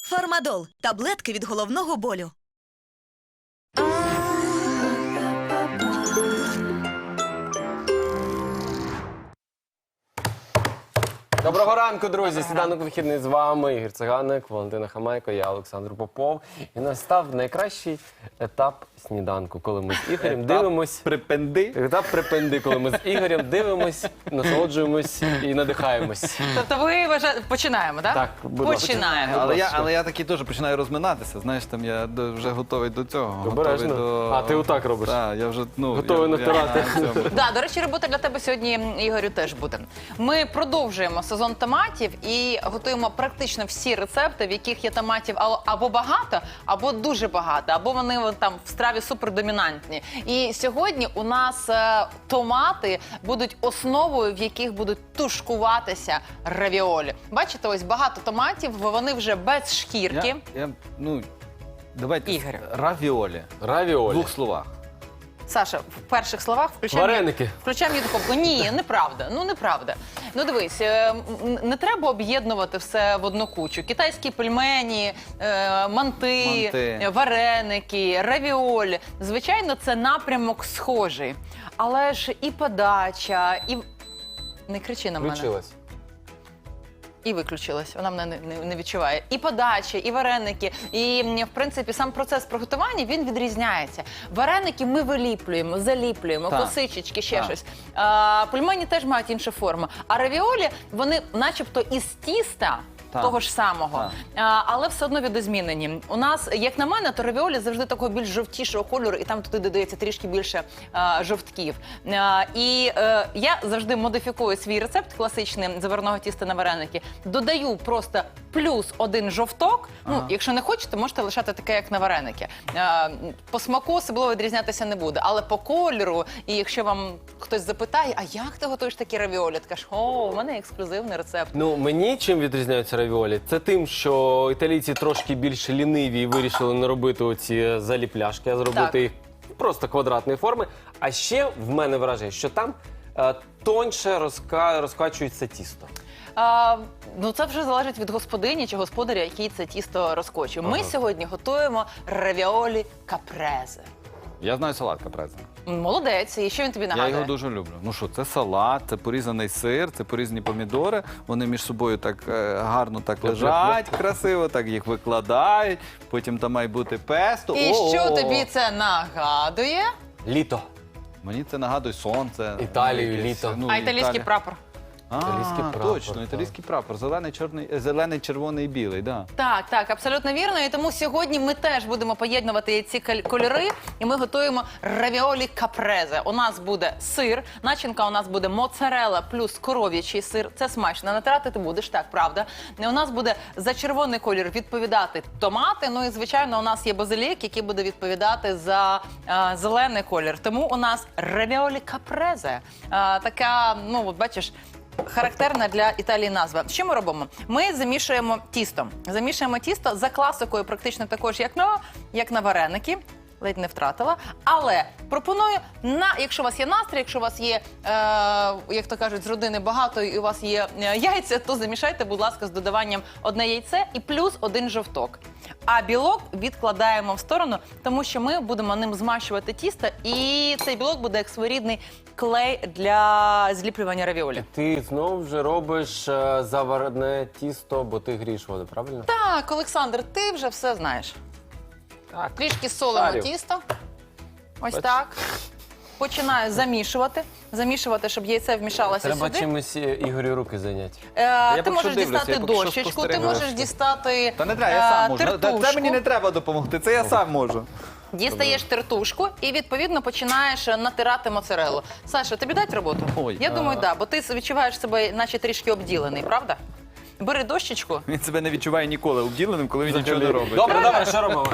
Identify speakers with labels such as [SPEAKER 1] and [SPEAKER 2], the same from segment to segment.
[SPEAKER 1] Фармадол – таблетки від головного болю.
[SPEAKER 2] Доброго ранку, друзі! Сніданок вихідний з вами. Ігор Циганик, Валентина Хамайко, я Олександр Попов. І настав найкращий етап сніданку, коли ми з Ігорем дивимось... Етап припинди, коли ми з Ігорем дивимось, насолоджуємось і надихаємось.
[SPEAKER 3] Тобто ви вважаєте... Починаємо, так?
[SPEAKER 2] Так, будь ласка.
[SPEAKER 3] Починаємо.
[SPEAKER 4] Але я таки теж починаю розминатися. Знаєш, там я вже готовий до цього.
[SPEAKER 2] Обережно. А, ти отак робиш?
[SPEAKER 4] Так, я вже,
[SPEAKER 2] Готовий натирати.
[SPEAKER 3] Да, до речі, робота для тебе сьогодні, Ігорю, теж буде. Ми продовжуємо сезон томатів і готуємо практично всі рецепти, в яких є томатів або багато, або дуже багато, або вони там в страві супердомінантні. І сьогодні у нас томати будуть основою, в яких будуть тушкуватися равіолі. Бачите, ось багато томатів, вони вже без шкірки.
[SPEAKER 4] Давайте
[SPEAKER 3] Ігорю.
[SPEAKER 4] равіолі. В
[SPEAKER 2] Равіолі.
[SPEAKER 4] двох словах.
[SPEAKER 3] Саша, в перших словах
[SPEAKER 2] Вареники.
[SPEAKER 3] включай мені духовку. Ні, неправда. Неправда. Дивись, не треба об'єднувати все в одну кучу. Китайські пельмені, манти, вареники, равіолі. Звичайно, це напрямок схожий. Але ж і подача, і... Не кричи на мене.
[SPEAKER 2] Включилась.
[SPEAKER 3] І виключилась, вона мене не відчуває. І подача, і вареники, і, в принципі, сам процес приготування, він відрізняється. Вареники ми виліплюємо, заліплюємо, косичечки, ще щось. Пельмені теж мають іншу форму. А равіолі, вони начебто із тіста, того ж самого, але все одно видозмінені. У нас, як на мене, то равіолі завжди такого більш жовтішого кольору, і там туди додається трішки більше жовтків. І я завжди модифікую свій рецепт класичний заварного тіста на вареники. Додаю просто плюс один жовток. Якщо не хочете, можете лишати таке, як на вареники. По смаку особливо відрізнятися не буде, але по кольору, і якщо вам хтось запитає, а як ти готуєш такі равіолі? Ти кажеш, у мене ексклюзивний рецепт.
[SPEAKER 2] Мені чим відрізняються равіолі? Це тим, що італійці трошки більш ліниві і вирішили не робити оці заліпляшки, а зробити їх просто квадратної форми. А ще в мене враження, що там тоньше розкачується тісто.
[SPEAKER 3] Це вже залежить від господині чи господаря, який це тісто розкочує. Ми сьогодні готуємо равіолі капрезе.
[SPEAKER 4] Я знаю салат капрезе.
[SPEAKER 3] Молодець. І що він тобі нагадує?
[SPEAKER 4] Я його дуже люблю. Це салат, це порізаний сир, це порізані помідори. Вони між собою так гарно так лежать, красиво, так їх викладають. Потім там має бути песто.
[SPEAKER 3] І що тобі це нагадує?
[SPEAKER 2] Літо.
[SPEAKER 4] Мені це нагадує сонце.
[SPEAKER 2] Італію, літо.
[SPEAKER 3] А італійський прапор?
[SPEAKER 2] Італійський прапор,
[SPEAKER 4] точно, італійський прапор. Зелений, червоний і білий, да.
[SPEAKER 3] Так, абсолютно вірно. І тому сьогодні ми теж будемо поєднувати ці кольори, і ми готуємо равіолі капрезе. У нас буде сир, начинка у нас буде моцарелла плюс коров'ячий сир. Це смачно. Натирати ти будеш, так, правда. У нас буде за червоний колір відповідати томати, і, звичайно, у нас є базилік, який буде відповідати за зелений колір. Тому у нас равіолі капрезе. Така, бачиш, характерна для Італії назва. Що ми робимо? Ми замішуємо тісто. Замішуємо тісто за класикою практично також, як на вареники. Ледь не втратила. Але пропоную, якщо у вас є настрій, якщо у вас є, як то кажуть, з родини багато і у вас є яйця, то замішайте, будь ласка, з додаванням одне яйце і плюс один жовток. А білок відкладаємо в сторону, тому що ми будемо ним змащувати тісто, і цей білок буде як своєрідний клей для зліплювання равіолі.
[SPEAKER 2] Ти знову вже робиш заварене тісто, бо ти грієш воду, правильно?
[SPEAKER 3] Так, Олександр, ти вже все знаєш.
[SPEAKER 2] Так.
[SPEAKER 3] Трішки солимо тісто. Ось так. Починаю замішувати, щоб яйце вмішалося
[SPEAKER 2] Треба
[SPEAKER 3] сюди.
[SPEAKER 2] чимось Ігорю руки зайняти.
[SPEAKER 3] Ти можеш дістати дощечку, ти можеш дістати
[SPEAKER 4] Та не треба, я сам можу.
[SPEAKER 3] тертушку.
[SPEAKER 4] Це мені не треба допомогти, це я сам можу.
[SPEAKER 3] Дістаєш тертушку і, відповідно, починаєш натирати моцареллу. Саша, тобі дать роботу? Я думаю, так, бо ти відчуваєш себе наче трішки обділений, правда? Бери дощечку.
[SPEAKER 4] Він себе не відчуває ніколи обділеним, коли він нічого не робить.
[SPEAKER 2] Добре, що робимо?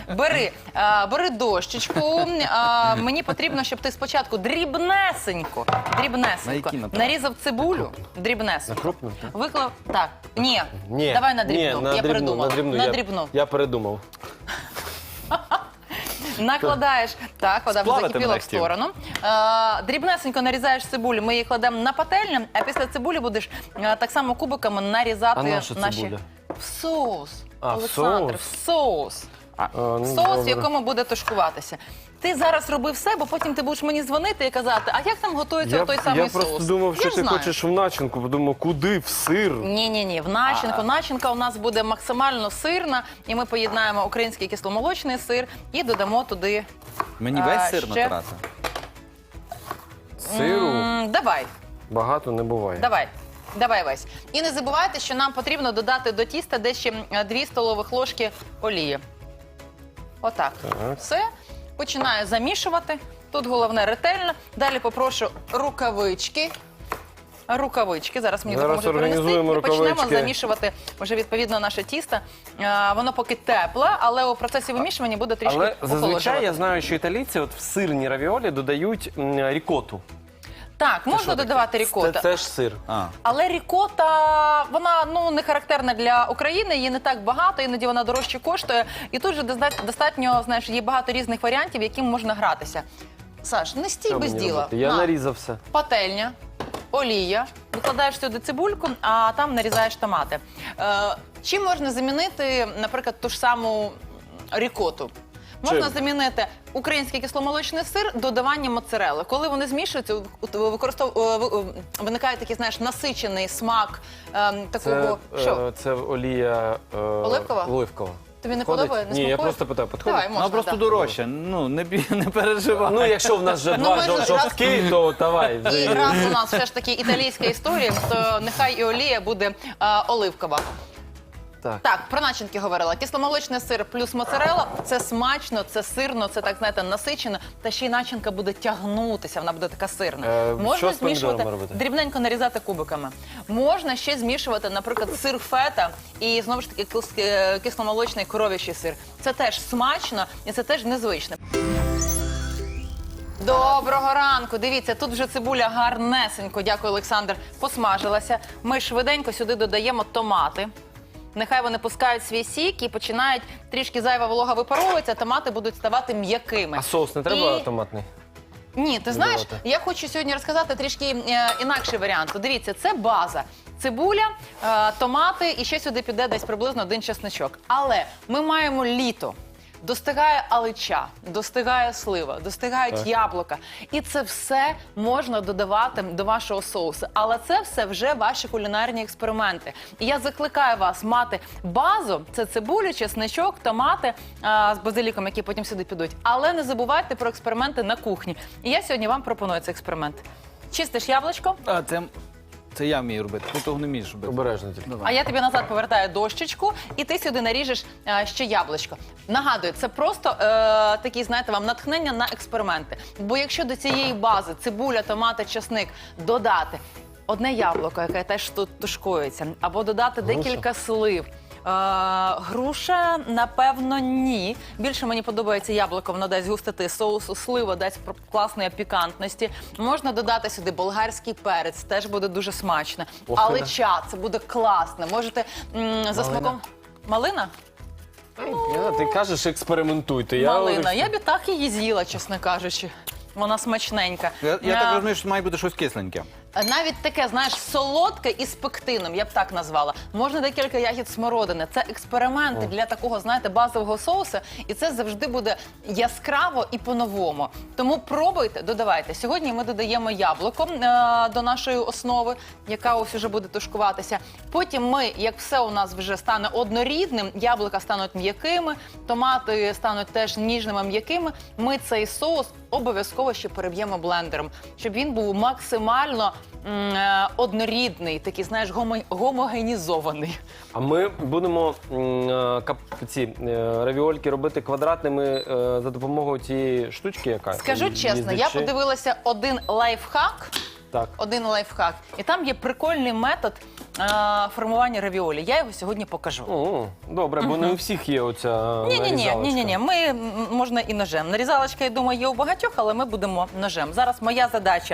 [SPEAKER 3] Бери дощечку. Мені потрібно, щоб ти спочатку дрібнесенько нарізав цибулю. Дрібнесенько.
[SPEAKER 2] Крупно?
[SPEAKER 3] Виклав. Так. Ні.
[SPEAKER 2] Ні.
[SPEAKER 3] Давай на дрібну. Я передумала. На дрібну.
[SPEAKER 2] Я передумав.
[SPEAKER 3] Накладаєш, так, вода вже
[SPEAKER 4] Сплавити
[SPEAKER 3] закипіла
[SPEAKER 4] мене
[SPEAKER 3] в сторону. Дрібнесенько нарізаєш цибулю, ми її кладемо на пательню, а після цибулі будеш так само кубиками нарізати
[SPEAKER 2] А наша
[SPEAKER 3] наші...
[SPEAKER 2] цибуля?
[SPEAKER 3] В соус.
[SPEAKER 2] А, в
[SPEAKER 3] Олександр,
[SPEAKER 2] соус?
[SPEAKER 3] в соус.
[SPEAKER 2] Ну,
[SPEAKER 3] Соус, в
[SPEAKER 2] добре.
[SPEAKER 3] якому буде тушкуватися. Ти зараз роби все, бо потім ти будеш мені дзвонити і казати, а як там готується той самий
[SPEAKER 2] Я
[SPEAKER 3] соус?
[SPEAKER 2] просто думав,
[SPEAKER 3] Я
[SPEAKER 2] що
[SPEAKER 3] ж
[SPEAKER 2] ти
[SPEAKER 3] знаю.
[SPEAKER 2] хочеш в начинку. Подумав, куди? В сир?
[SPEAKER 3] Ні, в начинку. Начинка у нас буде максимально сирна, і ми поєднаємо український кисломолочний сир і додамо туди.
[SPEAKER 4] Мені весь сир
[SPEAKER 3] ще.
[SPEAKER 4] натирати.
[SPEAKER 2] Сиру
[SPEAKER 3] Давай.
[SPEAKER 2] багато не буває.
[SPEAKER 3] Давай весь. І не забувайте, що нам потрібно додати до тіста десь ще 2 столових ложки олії. Отак.
[SPEAKER 2] Так.
[SPEAKER 3] Все. Починаю замішувати. Тут головне ретельно. Далі попрошу рукавички. Зараз мені
[SPEAKER 2] Зараз
[SPEAKER 3] допоможуть принести.
[SPEAKER 2] організуємо
[SPEAKER 3] І почнемо
[SPEAKER 2] рукавички.
[SPEAKER 3] замішувати вже відповідно наше тісто. Воно поки тепле, але у процесі вимішування буде трішки
[SPEAKER 2] Але зазвичай
[SPEAKER 3] охолоджувати.
[SPEAKER 2] я знаю, що італійці от в сирні равіолі додають рікоту.
[SPEAKER 3] Так, можна додавати рікота.
[SPEAKER 2] Це ж сир.
[SPEAKER 3] Але рікота, вона не характерна для України, її не так багато, іноді вона дорожче коштує. І тут же достатньо, знаєш, є багато різних варіантів, яким можна гратися. Саш, не стій
[SPEAKER 2] Що
[SPEAKER 3] без
[SPEAKER 2] мені
[SPEAKER 3] діла.
[SPEAKER 2] робити? Я
[SPEAKER 3] На.
[SPEAKER 2] нарізав все.
[SPEAKER 3] Пательня, олія, викладаєш сюди цибульку, а там нарізаєш томати. Чим можна замінити, наприклад, ту ж саму рікоту? Можна
[SPEAKER 2] Чим?
[SPEAKER 3] замінити український кисломолочний сир додаванням моцарели. Коли вони змішуються, виникає такий, знаєш, насичений смак такого. Що?
[SPEAKER 2] Це олія
[SPEAKER 3] Оливкова?
[SPEAKER 2] Оливкова.
[SPEAKER 3] Тобі не
[SPEAKER 2] Підходить?
[SPEAKER 3] подобає? Не
[SPEAKER 2] Ні, я
[SPEAKER 3] смакує?
[SPEAKER 2] просто питаю, підходить?
[SPEAKER 3] Давай, можна,
[SPEAKER 4] Вона просто
[SPEAKER 3] да.
[SPEAKER 4] дорожча. Ну, не переживай.
[SPEAKER 2] Ну, якщо в нас вже
[SPEAKER 3] Ну,
[SPEAKER 2] два
[SPEAKER 3] ми ж
[SPEAKER 2] жовтки, то давай. вже
[SPEAKER 3] І
[SPEAKER 2] і-
[SPEAKER 3] раз у нас все ж таки італійська історія, то нехай і олія буде оливкова.
[SPEAKER 2] Так.
[SPEAKER 3] Так, про начинки говорила. Кисломолочний сир плюс моцарелла – це смачно, це сирно, це так, знаєте, насичено. Та ще й начинка буде тягнутися, вона буде така сирна.
[SPEAKER 2] що з помідорами робити?
[SPEAKER 3] дрібненько нарізати кубиками. Можна ще змішувати, наприклад, сир фета і, знову ж таки, кисломолочний коров'ячий сир. Це теж смачно і це теж незвично. Доброго ранку. Дивіться, тут вже цибуля гарнесенько, дякую, Олександр, посмажилася. Ми швиденько сюди додаємо томати. Нехай вони пускають свій сік і починають трішки зайва волога випаровується, томати будуть ставати м'якими.
[SPEAKER 2] А соус не треба
[SPEAKER 3] І-
[SPEAKER 2] томатний?
[SPEAKER 3] Ні, ти знаєш,
[SPEAKER 2] Додавати.
[SPEAKER 3] я хочу сьогодні розказати трішки інакший варіант. Дивіться, це база. Цибуля, томати і ще сюди піде десь приблизно 1 чесничок. Але ми маємо літо. Достигає алича, достигає слива, достигають яблука. І це все можна додавати до вашого соусу. Але це все вже ваші кулінарні експерименти. І я закликаю вас мати базу, це цибулю, чесничок, томати з базиліком, які потім сюди підуть. Але не забувайте про експерименти на кухні. І я сьогодні вам пропоную цей експеримент. Чистиш яблучко,
[SPEAKER 4] А, це я вмію робити. Ти того не вмієш робити.
[SPEAKER 2] Обережно тільки.
[SPEAKER 3] а я тобі назад повертаю дощечку, і ти сюди наріжеш ще яблучко. Нагадую, це просто такі, знаєте, вам натхнення на експерименти. Бо якщо до цієї бази цибуля, томати, чесник додати одне яблуко, яке теж тут тушкується, або додати декілька слив. Груша, напевно, ні. Більше мені подобається яблуко, воно дасть густоти соусу, слива дасть класної пікантності. Можна додати сюди болгарський перець, теж буде дуже смачно. Алича, це буде класно. Можете за смаком... Малина?
[SPEAKER 2] Ти кажеш, експериментуйте.
[SPEAKER 3] Малина. Я б і так її з'їла, чесно кажучи. Вона смачненька.
[SPEAKER 4] Я так розумію, що має бути щось кисленьке.
[SPEAKER 3] Навіть таке, знаєш, солодке із пектином, я б так назвала. Можна декілька ягід смородини. Це експерименти для такого, знаєте, базового соусу. І це завжди буде яскраво і по-новому. Тому пробуйте, додавайте. Сьогодні ми додаємо яблуко до нашої основи, яка ось уже буде тушкуватися. Потім ми, як все у нас вже стане однорідним, яблука стануть м'якими, томати стануть теж ніжними, м'якими, ми цей соус обов'язково ще переб'ємо блендером, щоб він був максимально однорідний, такий, знаєш, гомогенізований.
[SPEAKER 2] А ми будемо ці равіольки робити квадратними за допомогою цієї штучки, яка
[SPEAKER 3] Скажу чесно, я
[SPEAKER 2] їздячи.
[SPEAKER 3] подивилася один лайфхак,
[SPEAKER 2] Так.
[SPEAKER 3] і там є прикольний метод формування равіолі. Я його сьогодні покажу.
[SPEAKER 2] Добре, бо не у всіх є оця нарізалочка.
[SPEAKER 3] Ні. Ми можна і ножем. Нарізалочка, я думаю, є у багатьох, але ми будемо ножем. Зараз моя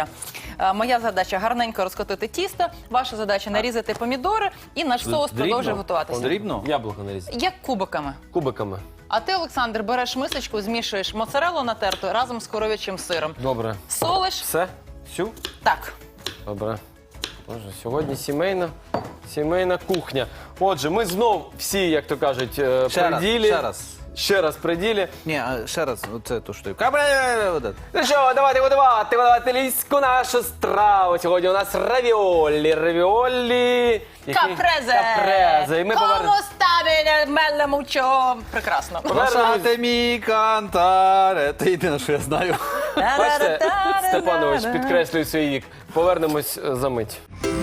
[SPEAKER 3] задача гарненько розкотити тісто, ваша задача нарізати помідори, і наш соус
[SPEAKER 4] Дрібно?
[SPEAKER 3] продовжує готуватися.
[SPEAKER 4] Дрібно?
[SPEAKER 2] Яблуко нарізати.
[SPEAKER 3] Як кубиками.
[SPEAKER 2] Кубиками.
[SPEAKER 3] А ти, Олександр, береш мисочку, змішуєш моцареллу натерту разом з коров'ячим сиром.
[SPEAKER 2] Добре.
[SPEAKER 3] Солиш.
[SPEAKER 2] Все? Всю?
[SPEAKER 3] Так.
[SPEAKER 2] Добре. Боже, сьогодні сімейна кухня. Отже, ми знов всі, як то кажуть, при ділі.
[SPEAKER 4] Ще раз.
[SPEAKER 2] Ще раз при ділі.
[SPEAKER 4] Ні, а ще раз, оце ту штуку.
[SPEAKER 2] Ну що, давайте готувати італійську нашу страву. Сьогодні у нас равіолі. Капрезе. І ми
[SPEAKER 3] Кому ставили меле мучо? Прекрасно.
[SPEAKER 4] Lasciatemi cantare. Це єдине, що я знаю.
[SPEAKER 2] Бачите, Степанович підкреслює свій вік. Повернемось за мить.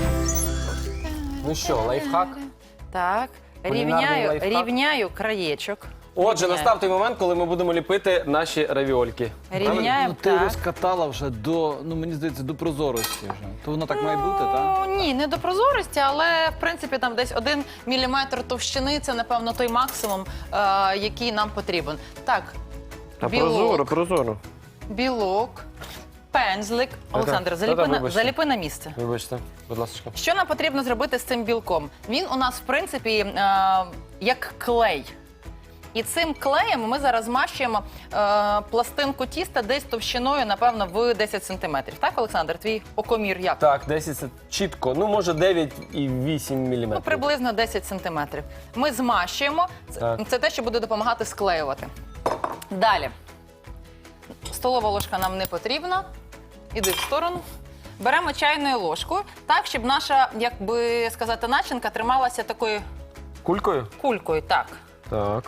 [SPEAKER 2] Ну що, лайфхак?
[SPEAKER 3] Так,
[SPEAKER 2] Кулінарний лайфхак.
[SPEAKER 3] рівняю краєчок.
[SPEAKER 2] Отже,
[SPEAKER 3] Рівняю.
[SPEAKER 2] настав той момент, коли ми будемо ліпити наші равіольки.
[SPEAKER 3] Рівняємо,
[SPEAKER 4] Ну, ти
[SPEAKER 3] так.
[SPEAKER 4] розкатала вже до, ну мені здається, до прозорості вже. То воно так має бути, так?
[SPEAKER 3] Ну, ні, не до прозорості, але в принципі там десь 1 міліметр товщини це, напевно, той максимум, який нам потрібен. Так,
[SPEAKER 2] прозоро.
[SPEAKER 3] білок, пензлик. Олександр,
[SPEAKER 2] вибачте.
[SPEAKER 3] заліпи на місце.
[SPEAKER 2] Вибачте, будь ласка.
[SPEAKER 3] Що нам потрібно зробити з цим білком? Він у нас, в принципі, як клей. І цим клеєм ми зараз змащуємо пластинку тіста десь товщиною, напевно, в 10 сантиметрів. Так, Олександр, твій окомір як?
[SPEAKER 2] Так, 10 це чітко. Ну, може 9,8 мм.
[SPEAKER 3] Ну, приблизно 10 сантиметрів. Ми змащуємо.
[SPEAKER 2] Так.
[SPEAKER 3] Це те, що буде допомагати склеювати. Далі. Столова ложка нам не потрібна. Іди в сторону. Беремо чайною ложкою, так, щоб наша, як би сказати, начинка трималася такою
[SPEAKER 2] Кулькою?
[SPEAKER 3] кулькою. Так.
[SPEAKER 2] Так.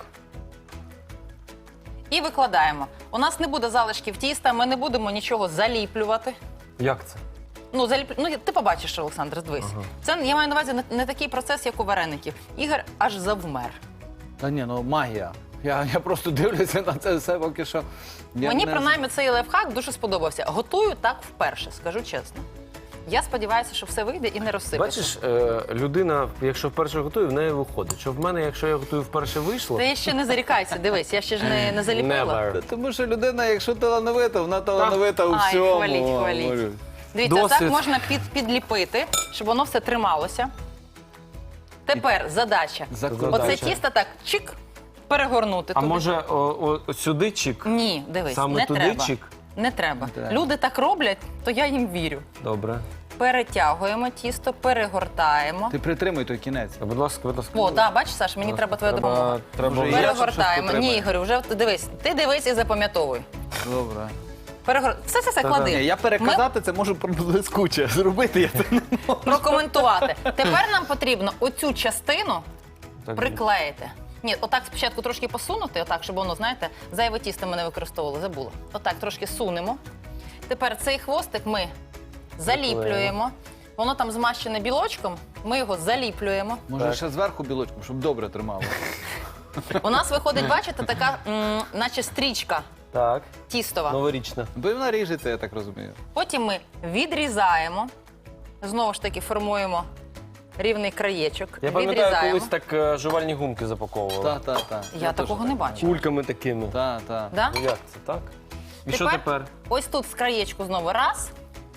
[SPEAKER 3] І викладаємо. У нас не буде залишків тіста, ми не будемо нічого заліплювати.
[SPEAKER 2] Як це?
[SPEAKER 3] Ну, ну ти побачиш, Олександр, дивись. Це, я маю на увазі, не такий процес, як у вареників. Ігор аж завмер.
[SPEAKER 4] Та ні, ну магія. Я просто дивлюся на це все поки що.
[SPEAKER 3] Мені, принаймні, цей лайфхак дуже сподобався. Готую так вперше, скажу чесно. Я сподіваюся, що все вийде і не розсипеться.
[SPEAKER 2] Бачиш, людина, якщо вперше готує, в неї виходить. Що в мене, якщо я готую вперше, вийшло?
[SPEAKER 3] Ти ще не зарікайся, дивись, я ще ж не заліпила.
[SPEAKER 2] Never.
[SPEAKER 4] Тому що людина, якщо талановита, вона талановита у
[SPEAKER 3] Ай,
[SPEAKER 4] всьому.
[SPEAKER 3] хваліть, хваліть.
[SPEAKER 4] Говорю.
[SPEAKER 3] Дивіться,
[SPEAKER 2] Досвід.
[SPEAKER 3] так можна підліпити, щоб воно все трималося. Тепер задача.
[SPEAKER 4] Закрутити.
[SPEAKER 3] Оце
[SPEAKER 2] Задача.
[SPEAKER 3] тісто так, чик, перегорнути.
[SPEAKER 2] А
[SPEAKER 3] туди.
[SPEAKER 2] може сюди чик?
[SPEAKER 3] Ні, дивись,
[SPEAKER 2] Саме
[SPEAKER 3] не
[SPEAKER 2] туди
[SPEAKER 3] треба.
[SPEAKER 2] чик?
[SPEAKER 3] Не треба.
[SPEAKER 4] Не треба.
[SPEAKER 3] Люди так роблять, то я їм вірю.
[SPEAKER 2] Добре.
[SPEAKER 3] Перетягуємо тісто, перегортаємо.
[SPEAKER 4] Ти притримуй той кінець.
[SPEAKER 2] Будь ласка, будь ласка.
[SPEAKER 3] О, так, бачиш, Саш, мені треба твоя допомога.
[SPEAKER 2] Треба
[SPEAKER 4] Може,
[SPEAKER 2] я
[SPEAKER 4] я
[SPEAKER 3] Перегортаємо.
[SPEAKER 4] щось
[SPEAKER 3] Ні,
[SPEAKER 4] потримаю?
[SPEAKER 3] Ігорю, вже дивись. Ти дивись і запам'ятовуй.
[SPEAKER 4] Добре.
[SPEAKER 3] Все,
[SPEAKER 2] Та-да.
[SPEAKER 3] клади.
[SPEAKER 4] Ні, я переказати це можу блискуче. Зробити я це не можу.
[SPEAKER 3] Прокоментувати. Тепер нам потрібно оцю частину
[SPEAKER 2] Так,
[SPEAKER 3] приклеїти. Ні, отак спочатку трошки посунути, отак, щоб воно, знаєте, зайве тісто ми не використовували, забула. Отак трошки сунемо. Тепер цей хвостик ми заліплюємо. Воно там змащене білочком, ми його заліплюємо.
[SPEAKER 4] Може
[SPEAKER 2] Так.
[SPEAKER 4] ще зверху білочком, щоб добре тримало.
[SPEAKER 3] У нас виходить, бачите, така, наче стрічка
[SPEAKER 2] Так,
[SPEAKER 3] тістова.
[SPEAKER 2] новорічна.
[SPEAKER 4] Бо вона ріжеться, я так розумію.
[SPEAKER 3] Потім ми відрізаємо, знову ж таки формуємо рівний краєчок.
[SPEAKER 2] Я пам'ятаю,
[SPEAKER 3] відрізаємо.
[SPEAKER 2] колись так жувальні гумки запаковували.
[SPEAKER 4] Та.
[SPEAKER 3] Я такого не бачу.
[SPEAKER 2] Кульками такими.
[SPEAKER 4] Та.
[SPEAKER 3] Да?
[SPEAKER 2] Ну як це, так? І що тепер?
[SPEAKER 3] Ось тут з краєчку знову раз.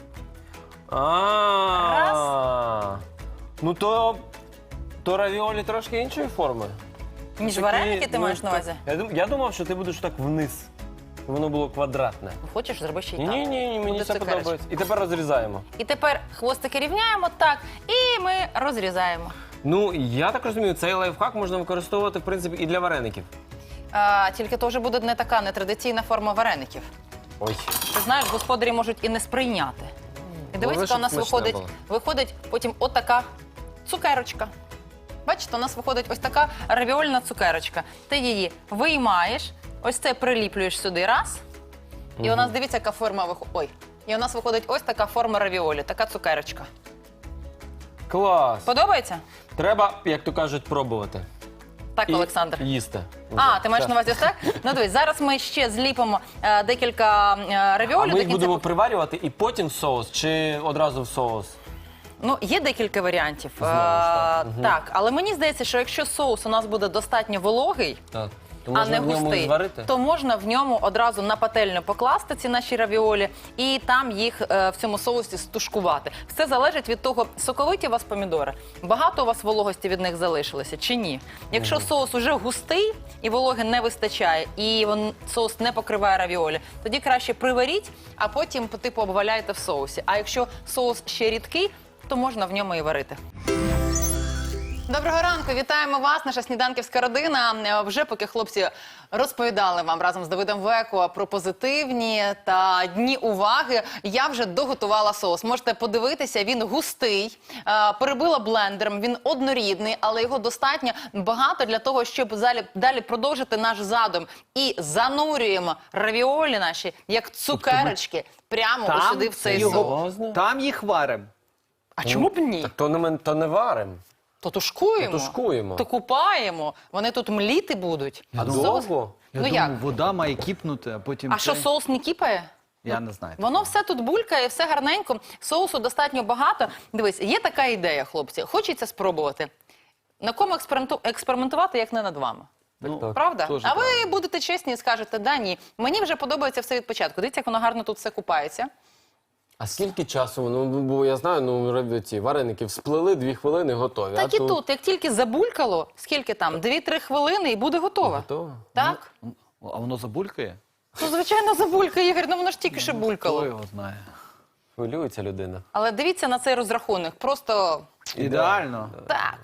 [SPEAKER 2] Ну то равіолі трошки іншої форми.
[SPEAKER 3] Ніж
[SPEAKER 2] Такі,
[SPEAKER 3] вареники ти
[SPEAKER 2] ну,
[SPEAKER 3] маєш на увазі?
[SPEAKER 2] Я думав, що ти будеш так вниз. Щоб воно було квадратне.
[SPEAKER 3] Хочеш, зроби ще й так.
[SPEAKER 2] Ні, мені
[SPEAKER 3] Буде
[SPEAKER 2] це
[SPEAKER 3] цукерочка.
[SPEAKER 2] подобається. І тепер розрізаємо.
[SPEAKER 3] І тепер хвостики рівняємо так, і ми розрізаємо.
[SPEAKER 2] Ну, я так розумію, цей лайфхак можна використовувати, в принципі, і для вареників.
[SPEAKER 3] Тільки то вже буде не така нетрадиційна форма вареників.
[SPEAKER 2] Ой.
[SPEAKER 3] Ти знаєш, господарі можуть і не сприйняти. І дивись, яка у нас
[SPEAKER 2] щоб смачне
[SPEAKER 3] виходить потім отака цукерочка. Бачите, у нас виходить ось така равіольна цукерочка. Ти її виймаєш, ось це приліплюєш сюди раз. І у нас, дивіться, яка форма виходить. Ой. І у нас виходить ось така форма равіолі, така цукерочка.
[SPEAKER 2] Клас!
[SPEAKER 3] Подобається?
[SPEAKER 2] Треба, як то кажуть, пробувати.
[SPEAKER 3] Так,
[SPEAKER 2] І
[SPEAKER 3] Олександр.
[SPEAKER 2] їсти.
[SPEAKER 3] А, ти маєш на увазі ось так? Ну дивись, зараз ми ще зліпимо декілька
[SPEAKER 2] А
[SPEAKER 3] равіолі.
[SPEAKER 2] ми їх будемо приварювати і потім в соус, чи одразу в соус?
[SPEAKER 3] Ну, є декілька варіантів.
[SPEAKER 2] Знову ж так.
[SPEAKER 3] Так, але мені здається, що якщо соус у нас буде достатньо вологий,
[SPEAKER 2] Так. То
[SPEAKER 3] а
[SPEAKER 2] можна
[SPEAKER 3] не
[SPEAKER 2] в ньому
[SPEAKER 3] густий,
[SPEAKER 2] і зварити?
[SPEAKER 3] то можна в ньому одразу на пательню покласти ці наші равіолі і там їх в цьому соусі стушкувати. Все залежить від того, соковиті у вас помідори, багато у вас вологості від них залишилося чи ні. Якщо соус уже густий і вологи не вистачає, і соус не покриває равіолі, тоді краще приваріть, а потім типу обваляйте в соусі. А якщо соус ще рідкий, то можна в ньому і варити. Доброго ранку, вітаємо вас, наша сніданківська родина. Вже поки хлопці розповідали вам разом з Давидом Веко про позитивні та дні уваги, я вже доготувала соус. Можете подивитися, він густий, перебила блендером, він однорідний, але його достатньо багато для того, щоб далі продовжити наш задум. І занурюємо равіолі наші, як цукерочки, прямо сюди в цей соус.
[SPEAKER 2] Серйозно?
[SPEAKER 4] Там їх варимо.
[SPEAKER 3] А чому б ні?
[SPEAKER 2] Так то не варим.
[SPEAKER 3] То тушкуємо,
[SPEAKER 2] То тушкуємо.
[SPEAKER 3] то купаємо, вони тут мліти будуть.
[SPEAKER 2] А
[SPEAKER 3] Соус-
[SPEAKER 2] довго?
[SPEAKER 3] Ну як?
[SPEAKER 4] Вода має кипнути, а потім...
[SPEAKER 3] А що, соус не кіпає?
[SPEAKER 4] Я не знаю.
[SPEAKER 3] Воно все тут булькає, все гарненько, соусу достатньо багато. Дивись, є така ідея, хлопці, хочеться спробувати. На кому експериментувати, як не над вами?
[SPEAKER 2] Так.
[SPEAKER 3] Правда?
[SPEAKER 4] теж
[SPEAKER 3] А ви
[SPEAKER 4] правда.
[SPEAKER 3] будете чесні і скажете, да, ні. Мені вже подобається все від початку. Дивіться, як воно гарно тут все купається.
[SPEAKER 2] А скільки часу? Ну, бо я знаю, ці вареники всплили, 2 хвилини готові.
[SPEAKER 3] Так і тут, як тільки забулькало, скільки там, 2-3 хвилини і буде готово.
[SPEAKER 2] Готово?
[SPEAKER 3] Так?
[SPEAKER 4] А воно забулькає?
[SPEAKER 3] Ну, звичайно, забулькає, Ігор, ну воно ж тільки що
[SPEAKER 4] Хто
[SPEAKER 3] булькало.
[SPEAKER 4] його знає?
[SPEAKER 2] Хвилюється людина.
[SPEAKER 3] Але дивіться на цей розрахунок, просто
[SPEAKER 4] Ідеально.
[SPEAKER 3] так.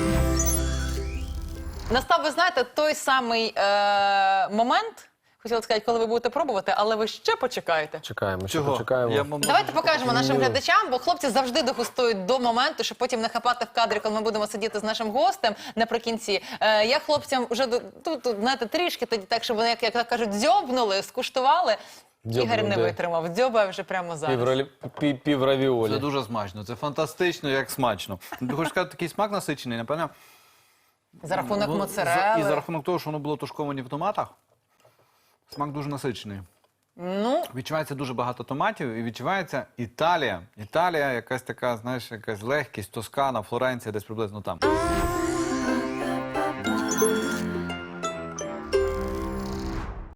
[SPEAKER 3] Настав, ви знаєте, той самий момент, хотіла сказати, коли ви будете пробувати, але ви ще почекаєте.
[SPEAKER 2] Чекаємо, ще
[SPEAKER 4] Чого?
[SPEAKER 2] почекаємо.
[SPEAKER 3] Давайте покажемо нашим глядачам, бо хлопці завжди дегустують до моменту, щоб потім не хапати в кадрі, коли ми будемо сидіти з нашим гостем наприкінці. Я хлопцям вже тут, знаєте, трішки тоді так, щоб вони, як кажуть, дзьобнули, скуштували.
[SPEAKER 2] Дзьобнув,
[SPEAKER 3] Ігор не
[SPEAKER 2] де?
[SPEAKER 3] витримав, дзьобає вже прямо зараз.
[SPEAKER 2] Пів равіолі.
[SPEAKER 4] Це дуже смачно. Це фантастично, як смачно. Ти хочеш сказати, такий смак насичений, напевно?
[SPEAKER 3] За рахунок
[SPEAKER 4] І
[SPEAKER 3] моцарели.
[SPEAKER 4] за рахунок того, що воно було тушковане в томатах, смак дуже насичений.
[SPEAKER 3] Ну,
[SPEAKER 4] Відчувається дуже багато томатів і відчувається Італія. Італія, якась така, знаєш, якась легкість, Тоскана, Флоренція, десь приблизно там.